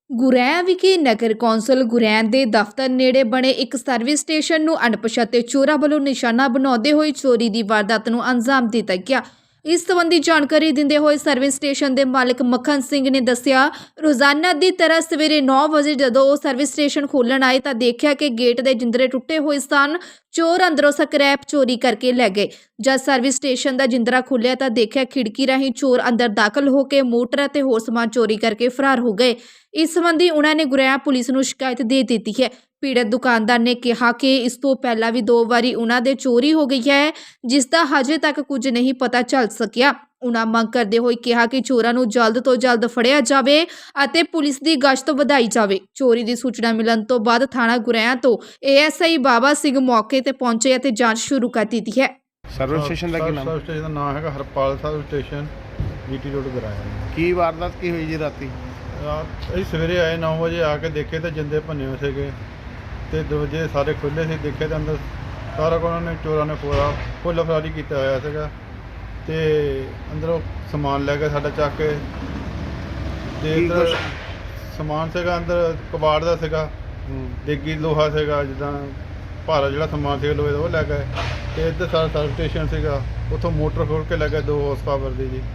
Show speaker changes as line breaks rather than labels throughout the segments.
ਗੁਰੈਣ ਵਿਖੇ ਨਗਰ ਕੌਂਸਲ ਗੁਰੈਣ ਦੇ ਦਫ਼ਤਰ ਨੇੜੇ ਬਣੇ ਇੱਕ ਸਰਵਿਸ ਸਟੇਸ਼ਨ ਨੂੰ ਅਣਪਛਾਤੇ ਚੋਰਾਂ ਵੱਲੋਂ ਨਿਸ਼ਾਨਾ ਬਣਾਉਂਦੇ ਹੋਏ ਚੋਰੀ ਦੀ ਵਾਰਦਾਤ ਨੂੰ ਅੰਜਾਮ ਦਿੱਤਾ ਗਿਆ। ਇਸ ਸੰਬੰਧੀ ਜਾਣਕਾਰੀ ਦਿੰਦੇ ਹੋਏ ਸਰਵਿਸ ਸਟੇਸ਼ਨ ਦੇ ਮਾਲਕ ਮੱਖਣ ਸਿੰਘ ਨੇ ਦੱਸਿਆ, ਰੋਜ਼ਾਨਾ ਦੀ ਤਰ੍ਹਾਂ ਸਵੇਰੇ 9 ਵਜੇ ਜਦੋਂ ਉਹ ਸਰਵਿਸ ਸਟੇਸ਼ਨ ਖੋਲ੍ਹਣ ਆਏ ਤਾਂ ਦੇਖਿਆ ਕਿ ਗੇਟ ਦੇ ਜਿੰਦਰੇ ਟੁੱਟੇ ਹੋਏ ਸਨ। ਚੋਰ ਅੰਦਰੋਂ ਸਕ੍ਰੈਪ ਚੋਰੀ ਕਰਕੇ ਲੈ ਗਏ। ਜਦ ਸਰਵਿਸ ਸਟੇਸ਼ਨ ਦਾ ਜਿੰਦਰਾ ਖੁੱਲਿਆ ਤਾਂ ਦੇਖਿਆ ਖਿੜਕੀ ਰਾਹੀਂ ਚੋਰ ਅੰਦਰ ਦਾਖਲ ਹੋ ਕੇ ਮੋਟਰ ਅਤੇ ਹੋਰ ਸਮਾਨ ਚੋਰੀ ਕਰਕੇ ਫਰਾਰ ਹੋ ਗਏ। ਇਸ ਸੰਬੰਧੀ ਉਹਨਾਂ ਨੇ ਗੁਰੈਣ ਪੁਲਿਸ ਨੂੰ ਸ਼ਿਕਾਇਤ ਦੇ ਦਿੱਤੀ ਹੈ। ਪੀੜਤ ਦੁਕਾਨਦਾਰ ਨੇ ਕਿਹਾ ਕਿ ਇਸ ਤੋਂ ਪਹਿਲਾਂ ਵੀ 2 ਵਾਰੀ ਉਹਨਾਂ ਦੇ ਚੋਰੀ ਹੋ ਗਈ ਹੈ, ਜਿਸ ਦਾ ਹਜੇ ਤੱਕ ਕੁਝ ਨਹੀਂ ਪਤਾ ਚੱਲ ਸਕਿਆ। ਉਹਨਾਂ ਮੰਗ ਕਰਦੇ ਹੋਏ ਕਿਹਾ ਕਿ ਚੋਰਾਂ ਨੂੰ ਜਲਦ ਤੋਂ ਜਲਦ ਫੜਿਆ ਜਾਵੇ ਅਤੇ ਪੁਲਿਸ ਦੀ ਗਸ਼ਤ ਵਧਾਈ ਜਾਵੇ। ਚੋਰੀ ਦੀ ਸੂਚਨਾ ਮਿਲਣ ਤੋਂ ਬਾਅਦ ਥਾਣਾ ਗੁਰੈਣ ਤੋਂ ASI ਬਾਬਾ ਸਿੰਘ ਮੌਕੇ ਤੇ ਪਹੁੰਚੇ ਅਤੇ ਜਾਂਚ ਸ਼ੁਰੂ ਕਰ ਦਿੱਤੀ ਹੈ।
ਸਰਵਿਸ ਸਟੇਸ਼ਨ ਦਾ ਕੀ ਨਾਮ?
ਸਰਵਿਸ ਸਟੇਸ਼ਨ ਦਾ ਨਾਮ ਹੈਗਾ Harpal service station, GT road Guraian.
ਕੀ ਵਾਰਦਾਤ ਕੀ ਹੋਈ ਜੀ ਰਾਤੀ?
ਅਸੀਂ ਸਵੇਰੇ ਆਏ 9 ਵਜੇ ਆ ਕੇ ਦੇਖੇ ਤਾਂ ਜਿੰਦੇ ਭੰਨੇ ਹੋਏ ਸੀਗੇ ਤੇ ਦਰਵਾਜ਼ੇ ਸਾਰੇ ਖੁੱਲ੍ਹੇ ਸੀ। ਦੇਖੇ ਤਾਂ ਅੰਦਰ ਸਾਰਾ ਉਹਨਾਂ ਨੇ ਚੋਰਾਂ ਨੇ ਫੁੱਲ ਫਰਾਰੀ ਕੀਤਾ ਹੋਇਆ ਸੀਗਾ ਤੇ ਅੰਦਰੋਂ ਸਮਾਨ ਲੈ ਕੇ ਸਾਡਾ ਚੱਕ ਕੇ ਤੇ ਇੱਧਰ ਸਮਾਨ ਸੀਗਾ ਅੰਦਰ ਕਬਾੜ ਦਾ ਸੀਗਾ, ਡੇਗੀ ਲੋਹਾ ਸੀਗਾ, ਜਿੱਦਾਂ ਭਾਰਾ ਜਿਹੜਾ ਸਮਾਨ ਸੀਗਾ ਲੋਹੇ ਦਾ ਉਹ ਲੈ ਗਏ ਤੇ ਇੱਧਰ ਸਾਰਾ ਸਰਵਿਸ ਸਟੇਸ਼ਨ ਸੀਗਾ, ਉੱਥੋਂ ਮੋਟਰ ਖੋਲ ਕੇ ਲੈ ਗਏ 2 ਹਾਰਸ ਪਾਵਰ ਦੀ ਜੀ।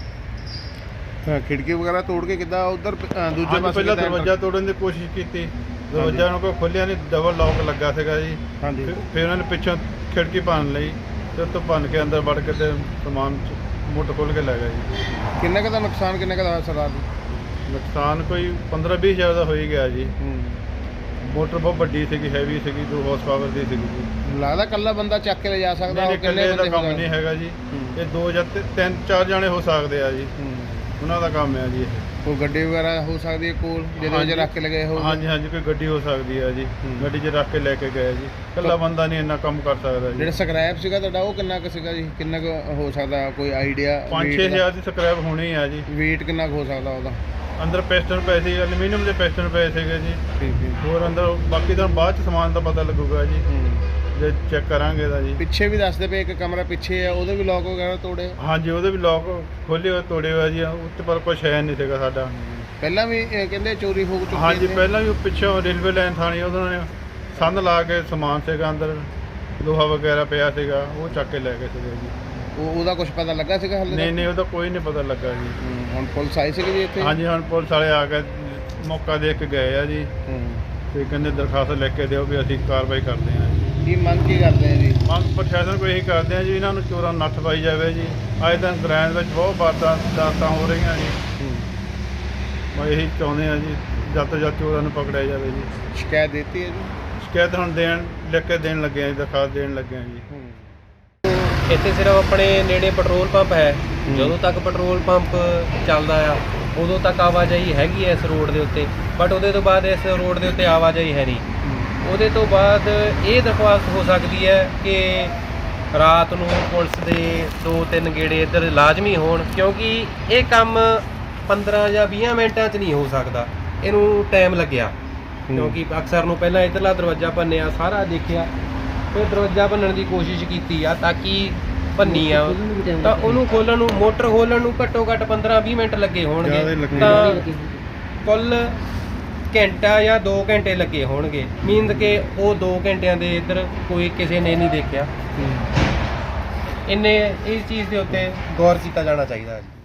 ਖਿੜਕੀ ਵਗੈਰਾ ਤੋੜ ਕੇ ਕਿੱਦਾਂ ਉਧਰ ਦੂਜੇ ਪਾਸੇ
ਪਹਿਲਾਂ ਦਰਵਾਜ਼ਾ ਤੋੜਨ ਦੀ ਕੋਸ਼ਿਸ਼ ਕੀਤੀ, ਦਰਵਾਜ਼ਾ ਉਹਨਾਂ ਕੋਲ ਖੋਲ੍ਹਿਆ ਨਹੀਂ, ਡਬਲ ਲੌਕ ਲੱਗਾ ਸੀਗਾ ਜੀ। ਫਿਰ ਉਹਨਾਂ ਨੇ ਪਿੱਛੋਂ ਖਿੜਕੀ ਭੰਨ ਲਈ ਤੇ ਉੱਤੋਂ ਭੰਨ ਕੇ ਅੰਦਰ ਵੜ ਕੇ ਤੇ ਸਮਾਨ ਮੋਟਰ ਖੋਲ੍ਹ ਕੇ ਲੈ ਗਏ ਜੀ।
ਕਿੰਨੇ ਕੁ ਦਾ ਨੁਕਸਾਨ ਕਿੰਨੇ ਕੁ ਦਾ ਹੋਇਆ ਸਰਦਾਰ ਜੀ?
ਨੁਕਸਾਨ ਕੋਈ 15-20 ਹਜ਼ਾਰ ਦਾ ਹੋ ਹੀ ਗਿਆ ਜੀ। ਮੋਟਰ ਬਹੁਤ ਵੱਡੀ ਸੀਗੀ, ਹੈਵੀ ਸੀਗੀ, 2 ਹਾਰਸ ਪਾਵਰ ਦੀ ਸੀਗੀ ਜੀ।
ਲੱਗਦਾ ਇਕੱਲਾ ਬੰਦਾ ਚੱਕ ਕੇ ਲੈ ਜਾ ਸਕਦਾ?
ਇਕੱਲੇ ਦਾ ਕੰਮ ਨਹੀਂ ਹੈਗਾ ਜੀ, ਇਹ 2 ਜਾਂ 3-4 ਜਾਣੇ ਹੋ ਸਕਦੇ ਆ ਜੀ, ਉਹਨਾਂ ਦਾ ਕੰਮ ਹੈ ਜੀ। ਇਹ
ਕੋਈ ਗੱਡੀ ਵਗੈਰਾ ਹੋ ਸਕਦੀ ਹੈ ਕੋਲ ਜਿਹਦੇ ਵਿੱਚ ਰੱਖ ਕੇ ਲਗਾਏ ਹੋ?
ਹਾਂਜੀ, ਕੋਈ ਗੱਡੀ ਹੋ ਸਕਦੀ ਹੈ ਜੀ, ਗੱਡੀ 'ਚ ਰੱਖ ਕੇ ਲੈ ਕੇ ਗਏ ਜੀ। ਇਕੱਲਾ ਬੰਦਾ ਨਹੀਂ ਇੰਨਾ ਕੰਮ ਕਰ ਸਕਦਾ ਜੀ।
ਜਿਹੜਾ ਸਕ੍ਰੈਪ ਸੀਗਾ ਤੁਹਾਡਾ ਉਹ ਕਿੰਨਾ ਕੁ ਸੀਗਾ ਜੀ? ਕਿੰਨਾ ਕੁ ਹੋ ਸਕਦਾ, ਕੋਈ ਆਈਡੀਆ?
5-6 ਹਜ਼ਾਰ ਦੀ ਸਕ੍ਰੈਪ ਹੋਣੀ ਆ ਜੀ।
ਵੇਟ ਕਿੰਨਾ ਕੁ ਹੋ ਸਕਦਾ ਉਹਦਾ?
ਅੰਦਰ ਪਿਸਟਨ ਪਏ ਸੀ, ਐਲੂਮੀਨੀਅਮ ਦੇ ਪਿਸਟਨ ਪਏ ਸੀਗੇ ਜੀ।
ਠੀਕ ਹੈ।
ਹੋਰ ਅੰਦਰ ਬਾਕੀ ਤਾਂ ਬਾਅਦ 'ਚ ਸਮਾਨ ਦਾ ਪਤਾ ਲੱਗੂਗਾ ਜੀ, ਜੇ ਚੈੱਕ ਕਰਾਂਗੇ ਤਾਂ ਜੀ।
ਪਿੱਛੇ ਵੀ ਦੱਸਦੇ ਪਏ ਇੱਕ ਕਮਰਾ ਪਿੱਛੇ ਆ, ਉਹਦੇ ਵੀ ਲੋਕ ਵਗੈਰਾ ਤੋੜੇ?
ਹਾਂਜੀ, ਉਹਦੇ ਵੀ ਲੋਕ ਖੋਲ੍ਹੇ ਹੋਏ ਤੋੜੇ ਹੋਏ ਜੀ, ਉੱਤੇ ਪਰ ਕੁਛ ਹੈ ਨਹੀਂ ਸੀਗਾ ਸਾਡਾ।
ਪਹਿਲਾਂ ਵੀ ਕਹਿੰਦੇ ਚੋਰੀ ਹੋ ਚੁੱਕੀ?
ਹਾਂਜੀ, ਪਹਿਲਾਂ ਵੀ ਪਿੱਛੋਂ ਰੇਲਵੇ ਲਾਈਨ ਥਾਣੀ ਉਹਨਾਂ ਨੇ ਸੰਦ ਲਾ ਕੇ ਸਮਾਨ ਸੀਗਾ ਅੰਦਰ, ਲੋਹਾ ਵਗੈਰਾ ਪਿਆ ਸੀਗਾ, ਉਹ ਚੱਕ ਕੇ ਲੈ ਗਏ ਸੀਗੇ ਜੀ।
ਉਹਦਾ ਕੁਝ ਪਤਾ ਲੱਗਾ ਸੀਗਾ ਹਾਲੇ?
ਨਹੀਂ, ਉਹਦਾ ਕੋਈ ਨਹੀਂ ਪਤਾ ਲੱਗਾ ਜੀ।
ਹੁਣ ਪੁਲਿਸ ਆਈ ਸੀਗੀ ਜੀ ਇੱਥੇ?
ਹਾਂਜੀ, ਹੁਣ ਪੁਲਿਸ ਵਾਲੇ ਆ ਕੇ ਮੌਕਾ ਦੇਖ ਕੇ ਗਏ ਆ ਜੀ ਤੇ ਕਹਿੰਦੇ ਦਰਖਾਸਤ ਲਿਖ ਕੇ ਦਿਓ ਵੀ ਅਸੀਂ ਕਾਰਵਾਈ ਕਰਦੇ ਹਾਂ ਜੀ।
ਕੀ ਮੰਗ ਕੀ ਕਰਦੇ ਆ ਜੀ?
ਮੰਗ ਪ੍ਰਸ਼ਾਸਨ ਕੋਲ ਇਹੀ ਕਰਦੇ ਆ ਜੀ, ਇਹਨਾਂ ਨੂੰ ਚੋਰਾਂ ਨੂੰ ਨੱਥ ਪਾਈ ਜਾਵੇ ਜੀ। ਅੱਜ ਦਿਨ ਗੁਰੈਣ ਵਿੱਚ ਬਹੁਤ ਵਾਰਦਾਤਾਂ ਹੋ ਰਹੀਆਂ ਜੀ। ਮੈਂ ਇਹੀ ਚਾਹੁੰਦੇ ਆ ਜੀ, ਜਦ ਤੋਂ ਜਦ ਚੋਰਾਂ ਨੂੰ ਪਕੜਿਆ ਜਾਵੇ ਜੀ।
ਸ਼ਿਕਾਇਤ ਦਿੱਤੀ ਹੈ ਜੀ?
ਸ਼ਿਕਾਇਤ ਹੁਣ ਲਿਖ ਕੇ ਦੇਣ ਲੱਗੇ ਆ ਜੀ, ਦਰਖਾਸਤ ਦੇਣ ਲੱਗੇ ਆ ਜੀ।
ਇੱਥੇ ਸਿਰਫ ਆਪਣੇ ਨੇੜੇ ਪੈਟਰੋਲ ਪੰਪ ਹੈ। ਜਦੋਂ ਤੱਕ ਪੈਟਰੋਲ ਪੰਪ ਚੱਲਦਾ ਆ ਉਦੋਂ ਤੱਕ ਆਵਾਜਾਈ ਹੈਗੀ ਹੈ ਇਸ ਰੋਡ ਦੇ ਉੱਤੇ, ਬਟ ਉਹਦੇ ਤੋਂ ਬਾਅਦ ਇਸ ਰੋਡ ਦੇ ਉੱਤੇ ਆਵਾਜਾਈ ਹੈ ਨਹੀਂ। ਉਹਦੇ ਤੋਂ ਬਾਅਦ ਇਹ ਦਰਖਾਸਤ ਹੋ ਸਕਦੀ ਹੈ ਕਿ ਰਾਤ ਨੂੰ ਪੁਲਿਸ ਦੇ 2-3 ਗੇੜੇ ਇੱਧਰ ਲਾਜ਼ਮੀ ਹੋਣ, ਕਿਉਂਕਿ ਇਹ ਕੰਮ 15 ਜਾਂ 20 ਮਿੰਟਾਂ 'ਚ ਨਹੀਂ ਹੋ ਸਕਦਾ, ਇਹਨੂੰ ਟਾਈਮ ਲੱਗਿਆ। ਕਿਉਂਕਿ ਅਕਸਰ ਨੂੰ ਪਹਿਲਾਂ ਇੱਧਰਲਾ ਦਰਵਾਜ਼ਾ ਭੰਨਿਆ, ਸਾਰਾ ਦੇਖਿਆ, ਫਿਰ ਦਰਵਾਜ਼ਾ ਭੰਨਣ ਦੀ ਕੋਸ਼ਿਸ਼ ਕੀਤੀ ਆ ਤਾਂ ਕਿ ਭੰਨੀ ਆ, ਤਾਂ ਉਹਨੂੰ ਖੋਲ੍ਹਣ ਨੂੰ, ਮੋਟਰ ਖੋਲ੍ਹਣ ਨੂੰ ਘੱਟੋ ਘੱਟ 15-20 ਮਿੰਟ ਲੱਗੇ ਹੋਣਗੇ, ਤਾਂ ਕੁੱਲ ਘੰਟਾ ਜਾਂ 2 ਘੰਟੇ ਲੱਗੇ ਹੋਣਗੇ। ਮੀਨਜ਼ ਕਿ ਉਹ 2 ਘੰਟਿਆਂ ਦੇ ਇੱਧਰ ਕੋਈ ਕਿਸੇ ਨੇ ਨਹੀਂ ਦੇਖਿਆ। ਇਸ ਚੀਜ਼ ਦੇ ਉੱਤੇ ਗੌਰ ਕੀਤਾ ਜਾਣਾ ਚਾਹੀਦਾ ਹੈ।